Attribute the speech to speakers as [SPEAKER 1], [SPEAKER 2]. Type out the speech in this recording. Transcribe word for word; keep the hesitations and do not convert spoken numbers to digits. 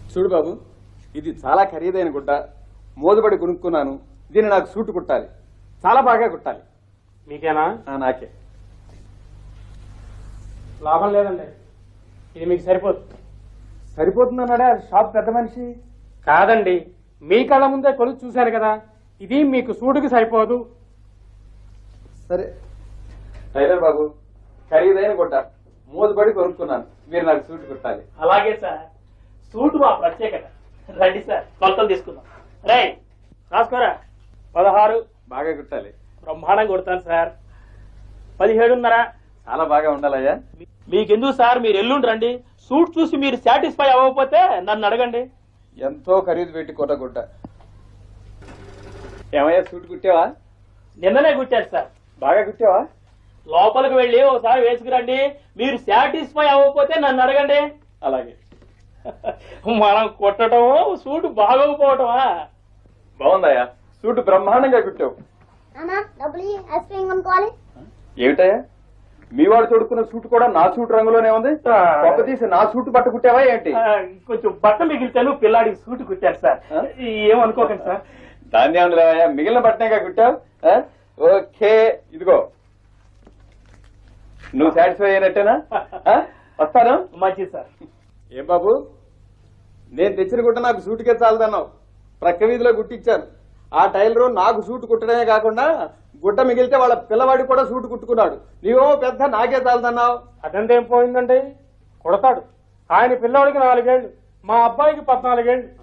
[SPEAKER 1] చూడు బాబు, ఇది చాలా ఖరీదైన గుడ్డ, మోదుబడి కొనుక్కున్నాను. దీన్ని నాకు సూటు కుట్టాలి, చాలా బాగా కుట్టాలి.
[SPEAKER 2] మీకేనా?
[SPEAKER 1] నాకే.
[SPEAKER 2] లాభం లేదండి, ఇది మీకు సరిపోతుంది.
[SPEAKER 1] సరిపోతుందన్నాడా షాప్ పెద్ద మనిషి?
[SPEAKER 2] కాదండి, మీ కళ్ళ ముందే కొలుసు చూశాను కదా, ఇది మీకు సూటుకి సరిపోదు.
[SPEAKER 1] సరే టైలర్ బాబు, ఖరీదైన గుడ్డ, మోదుబడి కొనుక్కున్నాను. మీరు నాకు సూటు కుట్టాలి.
[SPEAKER 3] అలాగే సార్, సూటు మా ప్రత్యేకత. రండి సార్, కొలతలు తీసుకుందాం. రై రాసుకోరా. పదహారు.
[SPEAKER 1] బాగా కుట్టాలి.
[SPEAKER 3] బ్రహ్మాండంగా కొడతాను సార్. పదిహేడున్నర.
[SPEAKER 1] చాలా బాగా ఉండాలయ్యా.
[SPEAKER 3] మీకెందుకు సార్, మీరు ఎల్లుండి రండి. సూట్ చూసి మీరు సాటిస్ఫై అవ్వకపోతే నన్ను అడగండి.
[SPEAKER 1] ఎంతో ఖరీదు పెట్టి కొట్ట గుడ్డ. ఏమయ్యా సూట్ కుట్టావా?
[SPEAKER 3] నిన్ననే కుట్టారు సార్.
[SPEAKER 1] బాగా కుట్టావా?
[SPEAKER 3] లోపలికి వెళ్ళి ఒకసారి వేసుకురండి. మీరు సాటిస్ఫై అవ్వకపోతే నన్ను అడగండి.
[SPEAKER 1] అలాగే.
[SPEAKER 3] మనం కుట్టడమో సూట్ బాగోకపోవటమా?
[SPEAKER 1] బాగుందయ్యా, సూట్ బ్రహ్మాండంగా కుట్టావు. ఏమిటయ్యా, మీ వాడు తొడుక్కున్న సూట్ కూడా నా సూట్ రంగులోనే ఉంది. పక్క తీసి నా సూట్ బట్ట కుట్టావా ఏంటి?
[SPEAKER 3] కొంచెం బట్ట మిగిలితాను, పిల్లాడికి సూట్ కుట్టారు సార్. ఏమనుకోకండి సార్.
[SPEAKER 1] దాన్ని ఏమన్నా మిగిలిన బట్టనేగా కుట్టావు. ఓకే, ఇదిగో నువ్వు సాటిస్ఫై అయినట్టేనా? వస్తాను.
[SPEAKER 3] మంచిది సార్.
[SPEAKER 1] ఏం బాబు, నేను తెచ్చిన గుట్ట నాకు సూటుకే చాలదన్నావు. ప్రక్క వీధిలో గుట్టిచ్చాను. ఆ టైలరు నాకు సూటు కుట్టడమే కాకుండా గుడ్డ మిగిలితే వాళ్ళ పిల్లవాడికి కూడా సూటు కుట్టుకున్నాడు. నీవో పెద్ద నాకే చాలదన్నావు.
[SPEAKER 2] అదంతా ఏం పోయిందండి, కొడతాడు. ఆయన పిల్లవాడికి నాలుగేళ్లు, మా అబ్బాయికి పద్నాలుగేళ్లు.